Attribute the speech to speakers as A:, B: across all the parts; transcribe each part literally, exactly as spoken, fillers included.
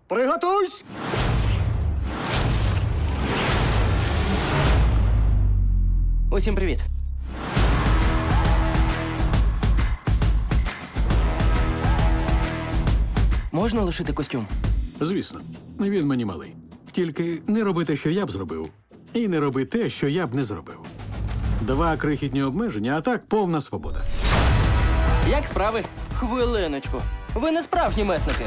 A: Приготуйсь!
B: Усім привіт. Можна лишити костюм?
C: Звісно, він мені малий. Тільки не роби те, що я б зробив, і не роби те, що я б не зробив. Два крихітні обмеження, а так повна свобода.
B: Як справи? Хвилиночку. Ви не справжні месники.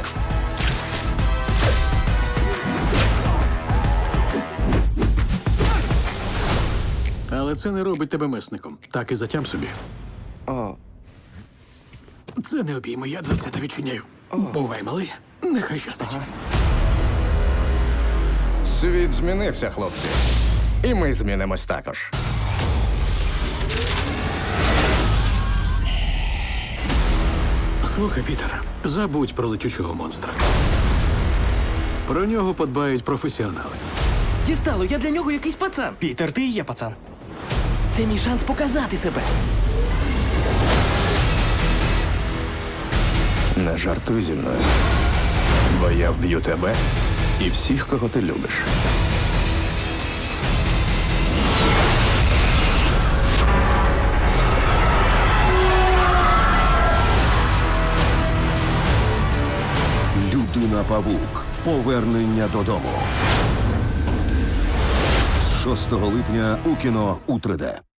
C: Але це не робить тебе месником. Так і затям собі.
B: О,
C: Це не обійми, я дверцята відчиняю. Бувай, малий. Нехай щастить.
A: Світ змінився, хлопці. І ми змінимось також.
C: Слухай, Пітер, забудь про летючого монстра. Про нього подбають професіонали.
B: дістало, я для нього якийсь пацан.
D: Пітер, ти і є пацан.
B: Це мій шанс показати себе.
A: Не жартуй зі мною. Бо я вб'ю тебе і всіх, кого ти любиш.
E: Людина-павук. Повернення додому. З шостого липня у кіно у три де.